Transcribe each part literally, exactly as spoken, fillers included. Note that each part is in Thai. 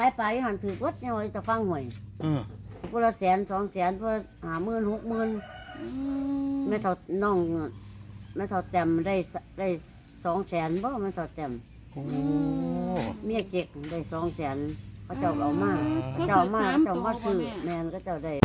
ขายปลาอยู่หันถือวัดเนี่ยว่าจะฟังหวยพวกละแสนสองแสนพวกหาหมื่นหกหมื่นแม่เท่าน้องแม่เท่าแต้มได้ได้สองแสนบ่แม่เท่าแต้มเมียเจ็กได้สองแสนเขาเจ้าเอามาเขาเจ้ามาเขาเจ้ามาซื้อแม่นก็เจ้าได้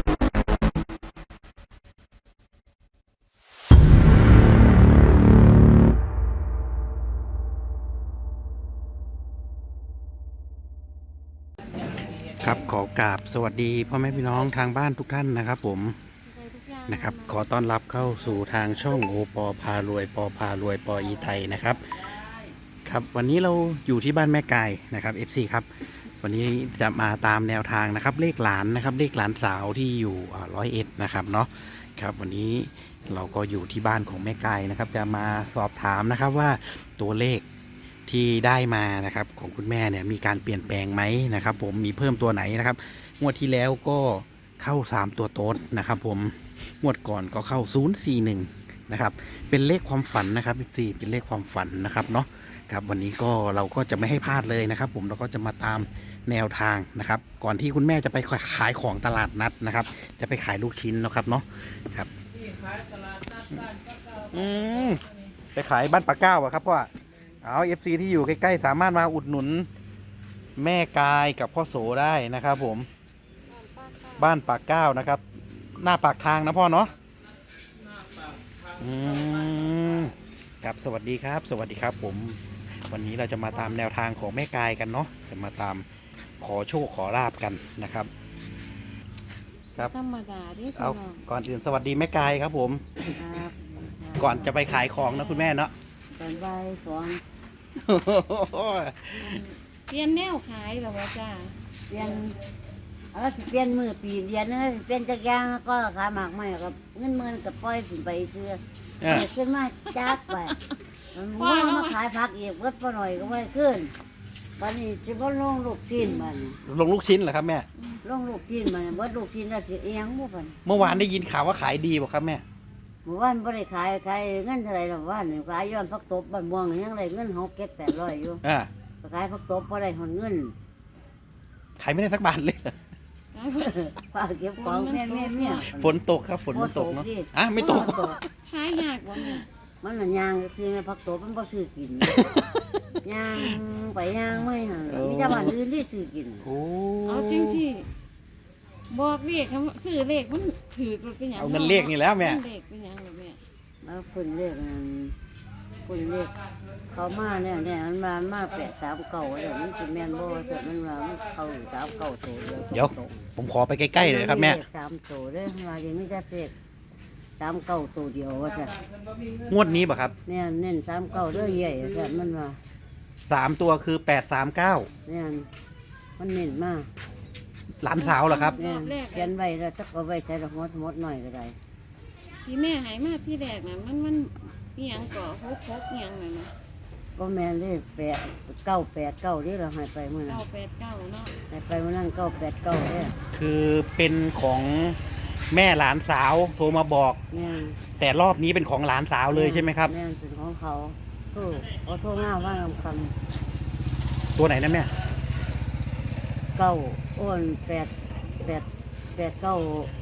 ครับขอกราบสวัสดีพ่อแม่พี่น้องทางบ้านทุกท่านนะครับผมนะครับขอต้อนรับเข้าสู่ทางช่องโอปอพารวยปอพารวยปออีไทยนะครับครับวันนี้เราอยู่ที่บ้านแม่กายนะครับ เอฟ ซี ครับวันนี้จะมาตามแนวทางนะครับเลขหลานนะครับเลขหลานสาวที่อยู่ร้อยเอ็ดนะครับเนาะครับวันนี้เราก็อยู่ที่บ้านของแม่กายนะครับจะมาสอบถามนะครับว่าตัวเลขที่ได้มานะครับของคุณแม่เนี่ยมีการเปลี่ยนแปลงไหมนะครับผมมีเพิ่มตัวไหนนะครับงวดที่แล้วก็เข้าสามตัวโต๊ดนะครับผมงวดก่อนก็เข้าศูนย์สี่หนึ่งนะครับเป็นเลขความฝันนะครับสี่เป็นเลขความฝันนะครับเนาะครับวันนี้ก็เราก็จะไม่ให้พลาดเลยนะครับผมเราก็จะมาตามแนวทางนะครับก่อนที่คุณแม่จะไปขายของตลาดนัดนะครับจะไปขายลูกชิ้นนะครับเนาะครับอืมไปขายบ้านปากเก้าอะครับพ่อเอาเอฟซีที่อยู่ใกล้ๆสามารถมาอุดหนุนแม่กายกับพ่อโสได้นะครับผมบ้านปากเก้านะครับหน้าปากทางนะพ่อเนาะอืมครับสวัสดีครับสวัสดีครับผมวันนี้เราจะมาตามแนวทางของแม่กายกันเนาะจะมาตามขอโชคขอลาบกันนะครับครับธรรมดาดิเอาก่อนอื่นสวัสดีแม่กายครับผมก่อนจะไปขายของนะคุณแม่เนาะตอนบ่ายสองเปลี่ยนแนวขายหรอวะจ้าเปลี่ยนอะไรสิเปลี่ยนมือปีเดียนเลยเปลี่ยนจักรยานก็ขายหมากไม่กับเงินเมือนกับปล่อยสิไปเชื่อขึ้นมาจักไปมันมาขายผักอีกวัดพอหน่อยก็ไม่ขึ้นวันนี้สิบ่ลงลูกชิ้นมันลงลูกชิ้นเหรอครับแม่ลงลูกชิ้นมันวัดลูกชิ้นแล้วสิเอียงบ่พันเมื่อวานได้ยินข่าวว่าขายดีบ่ครับแม่เมื่อวานบ่ได้ขายขายเงินเท่าไรหรอกว่านี่ขายย้อนผักตบบ้านม่วงยังได้เงินหกเก็ดแปดร้อยอยู่อ่าขายผักตบบ่ได้หอนเงินขายไม่ได้สักบาทเลยป้าเก็บของแม่แม่แม่ฝนตกครับฝนมันตกเนาะอ่ะไม่ตกขายยากบ่เนี่ยมันน่ะยางซื้อแม่ผักตบมันบ่ซื้อกินยางไปยางไม่หั่นมีแต่บ้านอื่นที่ซื้อกินโอ้เอาจริงที่บอกเลขซื้อเลขมันถือเป็นอย่างเอาเงินเลขนี่แล้วแม่เลขเป็นอย่างไรแม่มาฝุ่นเลขนั่นฝุ่นเลขเขามาเนี่ยเนี่ยมันมามาแปะสามเก่าเลยมันสิแม่นบ่แต่มันว่ามันเข้าสามเก่าโตเดียวเดี๋ยวผมขอไปใกล้ๆเลยครับแม่เลขสามโตเด้อว่าอย่างนี้จะเลขสามเก่าโตเดียวว่าซั่นงวดนี้ป่ะครับแม่นเน้นสามเก่าเด้อใหญ่ซั่นมันว่าสามตัวคือแปดสามเก้าเนี่ยมันเน้นมากหลานสาวเหรอครับเขียนไว้แล้วจะเอาไว้ใส่ดอกมดสมดหน่อยก็ได้ที่แม่หายมาที่แรกน่ะมันมันมีหยังก่อฮกฮกหยังน่ะนะก็แม่นเลยแปดเก้าแปดเก้าที่เราหายไปเมื่อนั้นเก้าแปดเก้าเนาะหายไปเมื่อนั้นเก้าแปดเก้าเนี่ยคือเป็นของแม่หลานสาวโทรมาบอกแต่รอบนี้เป็นของหลานสาวเลยใช่ไหมครับแม่เป็นของเขาโทรเขาโทรง่าว่าคำตัวไหนนะแม่เก้าอ้วนแปดแปดแปดเก้า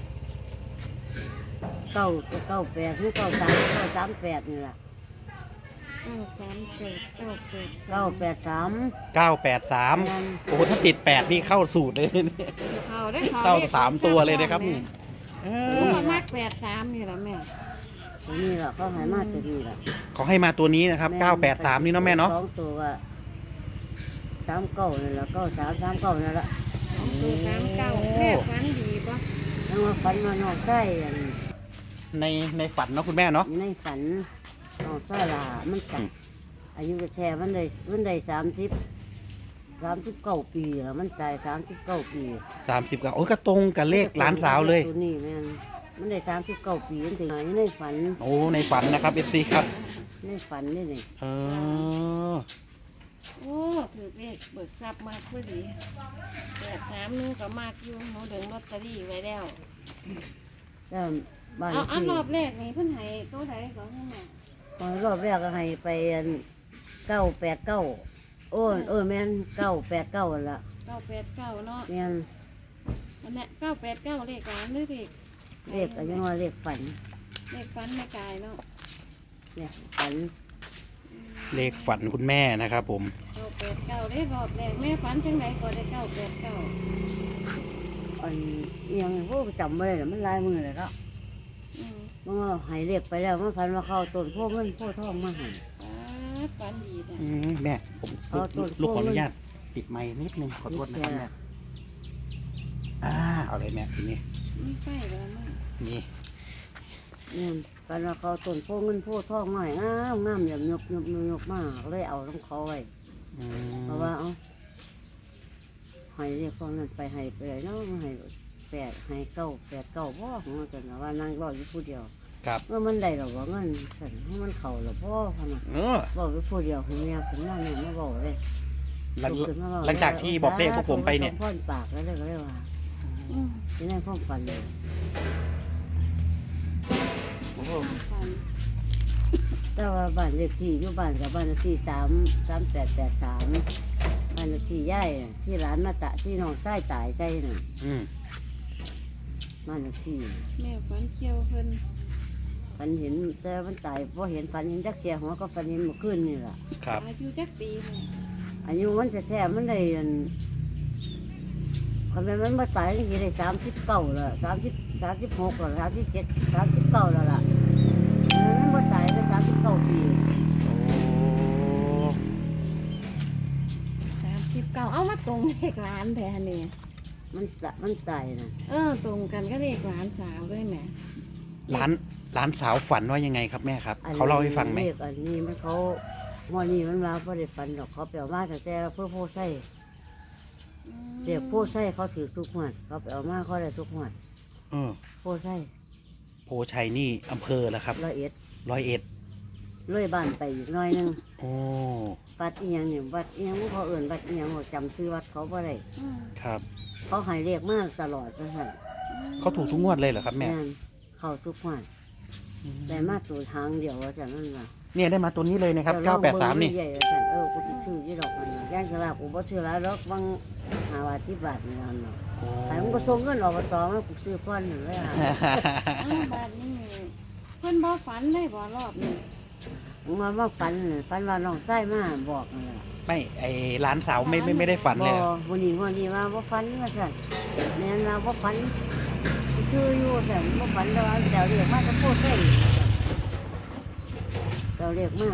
เก้าเก้าแปดหรือเก้าสามเก้าสามแปดนี่แหละเก้าสามแปดเก้าแปดเก้าแปดสามเก้าแปดสามโอ้ถ้าติดแปดนี่เข้าสูตรเลยเข้าได้เข้าสามตัวเลยนะครับนี่เออมากแปดสามนี่แหละแม่ตัวนี้แหละเขาให้มาตัวนี้แหละเขาให้มาตัวนี้นะครับเก้าแปดสามนี่เนาะแม่เนาะสองตัวสามเก้านี่แหละเก้าสามสามเก้านี่แหละสองตัวสามเก้าแม่ฝันดีปะแล้วมาฝันมานอกใช่ในในฝันเนาะคุณแม่เนาะในฝันนอกใช่ละมันกัดอายุแท้มันได้มันได้สามสิบสามสิบเก้าปีแล้วมันตายสามสิบเก้าปีสามสิบเก้าโอ้ก็ตรงกับเลขหลานสาวเลยตัวนี้แม่มันได้สามสิบเก้าปีถึงไหนในฝันโอ้ในฝันนะครับเอฟซีครับในฝันนี่นี่เออโอ้ถือเลขเบิกทรัพย์มากพอดีแปดสามนึงก็มากอยู่หนูดึงลอตเตอรี่ไว้แล้วแล้วบ้านเอาอันรอบแรกนี่เพิ่นให้ตัวไหนก่อนให้แม่ตอนรอบแรกก็ให้ไปเก้าแปดเก้าโอ้เออแม่นเก้าแปดเก้าละเก้าแปดเก้าเนาะแม่นอันเนี้ยเก้าแปดเก้าเลขหลานหรือเลขเลขก็ยังว่าเลขฝันเลขฟันไม่กายเนาะเนี่ยฝันเลขฝันคุณแม่นะครับผมเก้าแปดเก้าเลขรอบแรกแม่ฝันจังไหนก็ได้เก้าแปดเก้าอันอิหยังพวกจำไม่ได้หรอกมันลายมือเลยเนาะอืมมันว่าใหายเรียกไปแล้วมันฝันว่าเข้าต้นพวกเงินพวกทองมาใหายฝันฝันดีนะอืมแม่ผมเอาตัวลูกขออนุพวกญาตติดไม้นิดนึงขอโทษนะครับแม่อ่าเอาเลยแม่ทีนี้ไม่ใกล้แล้วมั้งนี่เนี่ยฝันว่าเข้าต้นพวกเงินพวกทองมาใหายงามงามอย่างยกยกยกยกมากเลยเอาต้องเขาไว้อืมเพราะว่าเอาใหายเรียกพวกนั้นไปใหายไปเลยเนาะใหายแปดใหายเก้าแปดเก้าพ่อของมันกันว่านางรออยู่ผู้เดียวครับเมื่อมันได้หรอกว่าเงินฉันให้มันเข่าหรอพ่อพะนะเออบอกอยู่ผู้เดียวของเมียขึ้นมาเนี่ยมาบอกเลยหลังลุกขึ้นมเว้หลังจากที่บอกเลขพวกผมไปเนี่ยพ่อนปากแล้วเลยก็เลยว่าอืมที่นั่นพ่อฟันเลยโอ้โหฝันแต่ว่าบ้านเลขที่อยู่บ้านกับบ้านเลขที่สามสามแปดแปดสามบ้านเลขที่ย่ายน่ะที่ร้านมาตะที่น้องใต้ตายใช่น่ะอืมบ้านเลขที่แม่ฝันเกี่ยวเพิ่นฝันเห็นแต่มันตายพอเห็นฝันเห็นจักเสียหัวก็ฝันเห็นเมื่อคืนนี่แหละครับอายุจักปีแม่อายุมันจะแท้ๆมันได้อันคนเป็นมันมาตายตั้งกี่ได้สามสิบเก้าแล้วสามสิบสามสิบหกแล้วสามสิบเจ็ดสามสิบเก้าแล้วล่ะมันมาตายได้สามสิบเก้าปีโอ้สามสิบเก้าเอามาตรงเลขหลานแทนเนี่ยมันตะมันตายนะเออตรงกันก็เลขหลานสาวด้วยแหม่ร้านร้านสาวฝันว่ายังไงครับแม่ครับ เขาเล่าให้ฟังไหมเรียกอันนี้มันเขาหมอนี่มันมาเพราะได้ฟันดอกเขาเปลี่ยวมาแต่แต่เพื่อโพไส้อืมเรียกโพไส้เขาถือทุกหมวดเขาเปลี่ยวมาเขาได้ทุกหมวดเออโพไส้โพชัยนี่อำเภอแล้วครับร้อยเอ็ดร้อยเอ็ดเลื่อยบ้านไปอีกหน้อยหนึงโอ้วัดอีหยังเนี่ยวัดอีหยังเขาเอื่นวัดอีหยังเขาจำชื่อวัดเขาบ่ได้อืมครับเขาใหายเรียกมาตลอดเลยค่ะเขาถูกทุกงวดเลยเหรอครับแม่นเข้าทุกหมวดแต่มาตัวทางเดียวว่าจะนั่นล่ะเนี่ยได้มาตัวนี้เลยนะครับเก้าแปดสามนี่ใหญ่ว่าซั่นเออกูสิซื้อยี่ดอกมันน่ะย่างกะลากูบ่ซื้อหลายดอกบางหาว่าที่บาทนี่นั่นเนาะโอ้แต่มันก็ส่งเงินอบตมากูซื้อก้อนหนึ่งเลยอ่ะอ้าวบาดนี้เพิ่นบ่ฝันเลยบ่รอบนี้มึงมาว่าฝันน่ะฝันว่าน้องใต้มาบอกนั่นล่ะไม่ไอร้านสาวไม่ไม่ไม่ได้ฝันบเลยอเหรอวันนี้วันนี้ว่าบ่ฝันว่าสั่นแม่นว่าบ่ฝันกูซื้ออยู่แต่บ่ฝันแล้วว่าเดี๋ยวเรียกมาจะพูดได้เดี๋ยวเรียกมา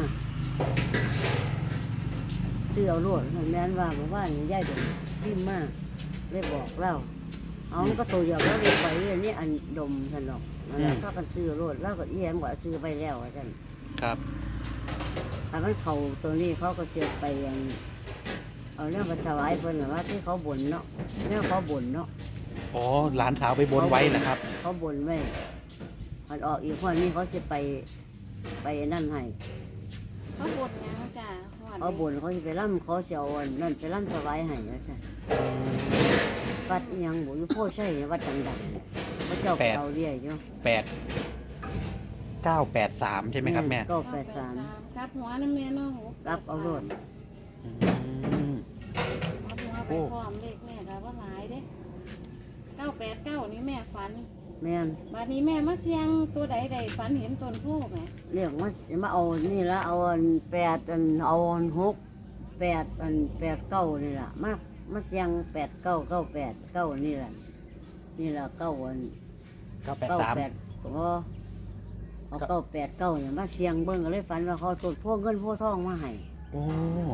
ซื้อเอาโลดแม่นว่าเมื่อวานนี้ยายดมพิมพ์มาเลยบอกเราเอามันก็ตัวเดียวแล้วเรียกไปเรื่อยนี่อันดมสั่นหรอกนั่นล่ะก็กันซื้อโลดแล้วก็เอียมว่าซื้อไปแล้วว่าสั่นครับถ้ามันเขาตัวนี้เขาก็เสียไปอย่างเอาเรื่องไปถวายเพิ่นน่ะว่าที่เขาบ่นเนาะเรื่องเขาบ่นเนาะอ๋อร้านสาวไปบนไว้นะครับเขาบ่นไว้มันออกอีกคนนี้เขาสิไปไปนั่นให้เขาบ่นหยังจ้ะฮอดเขาบ่นเขาสิไปร่ำเขาสิเอาอันนั่นไปร่ำถวายให้ว่าซั่นวัดอีหยังบ่อยู่โพใช่วัดดังๆพระเจ้าแปดเอาเรียอยู่แปดเก้าแปดสามใช่ไหมครับแม่เก้าแปดสามกลับหัวน้ำแม่เนาะกลับเอาโลดอืมกลับหัวไปพร้อมเลขแม่ก็บ่หลายเด้เก้าแปดเก้านี่แม่ฝันแม่นบัดนี้แม่มาเที่ยงตัวใดใดฝันเห็นต้นโพธิ์ไหมเรียกมามาเอานี่ละเอาอันแปดอันเอาอันหกแปดอันแปดเก้านี่ล่ะมามาเสียงแปดเก้าเก้าแปดเก้านี่ล่ะนี่ล่ะเก้าอันเก้าแปดเก้าสามแปดก็เอาเก้าแปดเก้าเนี่ยมาเสียงเบิ้งก็เลยฝันว่าเขาต้นพวกเงินพวกทองมาให้โอ้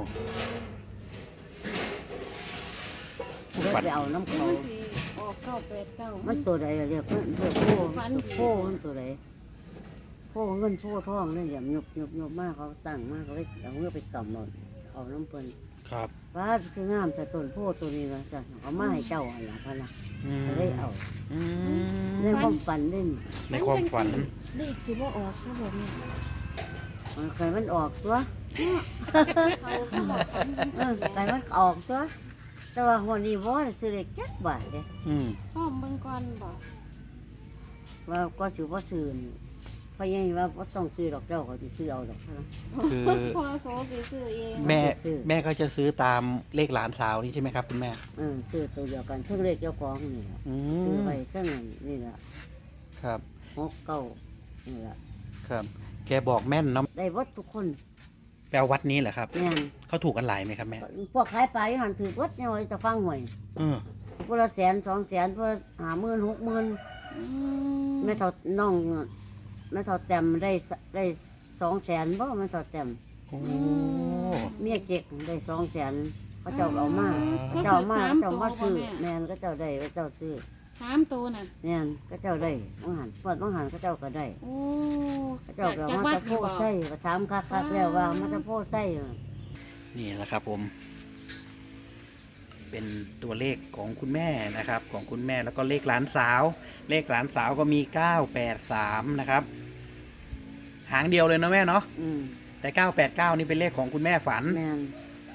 เลยไปเอาน้ำเขามันสิออกเก้าแปดเก้ามันตัวใดล่ะเรียกมันเรียกพวกพวกมันตัวใดพวกเงินพวกทองเนี่ยอย่างยบยบยบมากเขาตั้งมากเขาเลยเอาเงื่อไปกำหนดเอาน้ำเปิ้นครับว่าคืองามแต่ต้นโพธิ์ตัวนี้นะจ้ะเอามาให้เจ้าอันละพะนะอืมก็เลยเอาอืมในความฝันเล่นในความฝันเลขสิบ่ออกครับผมเนี่ยมันเคยมันออกตัวเขาเขาบอกฝันเออเคยมันออกตัว แต่ว่าหัวนี้บ่ได้ซื้อเล็กจักบาทเด้อืมพร้อมเบิ่งก่อนบอกว่าก็สิบ่ซื้อนี่พพ่อใหญ่ว่าบ่ต้องซื้อดอกเจ้าเขาสิซื้อเอาดอกนะคือพอโซสิซื้อเองแม่จะซื้อแม่ก็จะซื้อตามเลขหลานสาวนี่ใช่ไหมครับคุณแม่เออซื้อตัวเดียวกันเท่งเลขเจ้าของนี่แหละอืซื้อมไปเท่งนี่แหละครับหกเก้านี่แหละครับ แกบอกแม่นเนาะได้วัดทุกคนแปลวัดนี้เหรอครับแม่นเขาถูกกันหลายไหมครับแม่พวกขายปลาอยู่หันถือวัดเนี่ยไว้จะฟังหวยเออพวกละแสนสองแสนพวกละห้าหมื่นหกหมื่นอืมแม่เท่าน้องแม่เท่าแต้มได้สได้สองแสนบ่แม่เท่าแต้มโอ้เมียเจ็กได้สองแสนเขาเจ้าเอามาเขาเจ้าเอามาสามเจ้าตัวมาบ่ซื้อแม่แม่นก็เจ้าได้ก็เจ้าซื้อสามตัวน่ะแม่นก็เจ้าได้บางหันพวดบางหันก็เจ้าก็ได้โอ้ก็เจ้าก็จากมาวัดจะโพนี่บ่ใส่ก็ถามคักๆแล้วว่ามาจะโพใส่นี่แหละครับผม เป็นตัวเลขของคุณแม่นะครับ ของคุณแม่แล้วก็เลขหลานสาว เลขหลานสาวก็มีเก้าแปดสามนะครับ หางเดียวเลยเนาะแม่เนาะอืมแต่เก้าแปดเก้านี่เป็นเลขของคุณแม่ฝันแม่น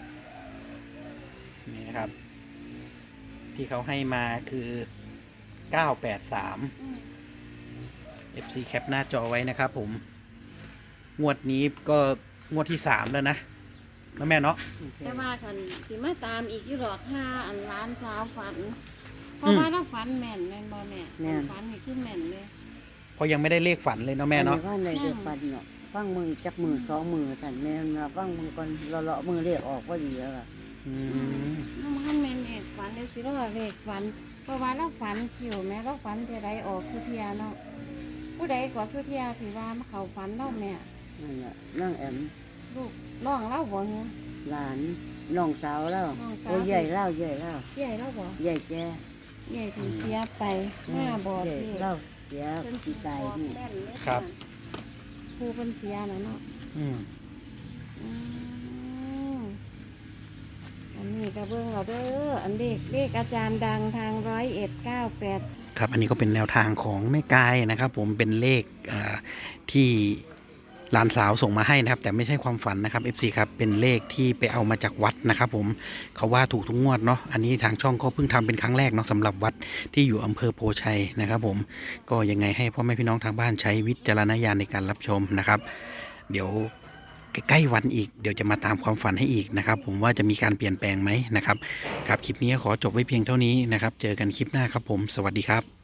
นี่นะครับ ที่เขาให้มาคือเก้าแปดสามอืมเอฟ ซี แคปหน้าจอไว้นะครับผม งวดนี้ก็งวดที่สามแล้วนะแล้วแม่เนาะแต่ว่าคันสิมาตามอีกอยู่หรอกห้าอันล้านสาวฝัน เพราะว่าเราฝันแม่นแม่นบ่แม่ฝันนี่คือแม่นเลยเพราะยังไม่ได้เลขฝันเลยเนาะแม่เนาะว่าในเดือปันเนาะฟังมือจักมือสองมือสั่นแม่นมาฟังมือก่อนเลาะๆมือเรียกออกว่าดีแล้วล่ะอืมน้ำมันแม่นเอกฝันเดี๋ยวสิรอเวกฝัน เพราะว่าเราฝันคิวแม่เราฝันเทใดออกสุเทียเนาะผู้ใดก็สุเทียที่ว่ามาเขาฝันเราแม่นั่นแหละนั่งแอมลูกน้องเราบ่เงี้ยหลานน้องสาวแล้วน้องสาวโอ้ยใหญ่แล้วใหญ่แล้วใหญ่เราบ่ใหญ่แกใหญ่ที่เสียไปหน้าบ่ใหญ่ที่แล้วเสียเพิ่นปีกายนี่แม่นเลยครับครูเพิ่นเสียน่ะเนาะอืมอืมอันนี้ก็เบิ่งเอาเด้ออันเลขเลขอาจารย์ดังทางร้อยเอ็ดเก้าแปดครับอันนี้ก็เป็นแนวทางของแม่กายนะครับ ผมเป็นเลขเอ่อที่หลานสาวส่งมาให้นะครับ แต่ไม่ใช่ความฝันนะครับ เอฟ ซี ครับเป็นเลขที่ไปเอามาจากวัดนะครับผมเขาว่าถูกทุกงวดเนาะอันนี้ทางช่องก็เพิ่งทำเป็นครั้งแรกเนาะสำหรับวัดที่อยู่อำเภอโพชัยนะครับ ผมก็ยังไงให้พ่อแม่พี่น้องทางบ้านใช้วิจารณญาณในการรับชมนะครับ เดี๋ยวใกล้ๆวันอีกเดี๋ยวจะมาตามความฝันให้อีกนะครับ ผมว่าจะมีการเปลี่ยนแปลงไหมนะครับครับคลิปนี้ขอจบไว้เพียงเท่านี้นะครับ เจอกันคลิปหน้าครับผมสวัสดีครับ